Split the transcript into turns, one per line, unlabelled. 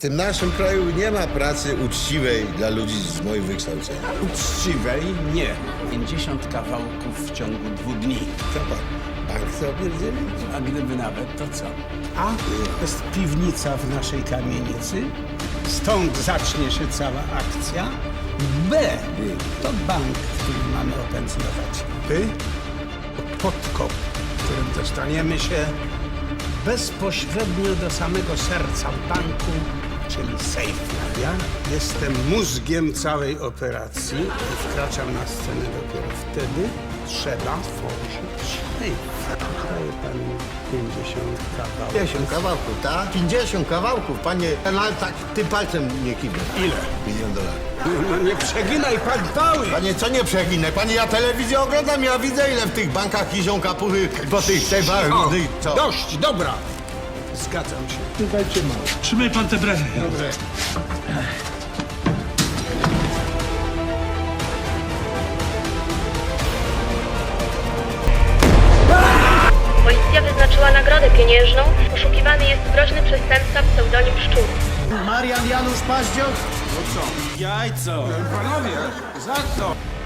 W tym naszym kraju nie ma pracy uczciwej dla ludzi z moim wykształceniem.
Uczciwej nie. 50 kawałków w ciągu 2 dni.
Co pan, bank chce opierdzielić?
A gdyby nawet, to co? A to jest piwnica w naszej kamienicy. Stąd zacznie się cała akcja. B to bank, który mamy opędzlować. By to podkop, którym dostaniemy się bezpośrednio do samego serca banku, czyli sejfu. Ja jestem mózgiem całej operacji i wkraczam na scenę dopiero wtedy. Trzeba tworzyć sejf. Daje pan 50 kawałków.
50 kawałków, tak? 50 kawałków, panie. No ale tak, tym palcem nie kiwnę.
Ile?
$1 000 000.
No nie przeginaj pan pały!
Panie, co nie przeginę? Panie, ja telewizję oglądam, ja widzę, ile w tych bankach kiszą kapuchy po tych sejfach. Co?
Dość, dobra! Zgadzam się. Dajcie mało.
Trzymaj pan te branie.
Dobrze.
Policja wyznaczyła nagrodę pieniężną. Poszukiwany jest groźny przestępca pseudonim Szczur.
Marian Janusz Paździok.
No co? Jajco! Panowie, za co?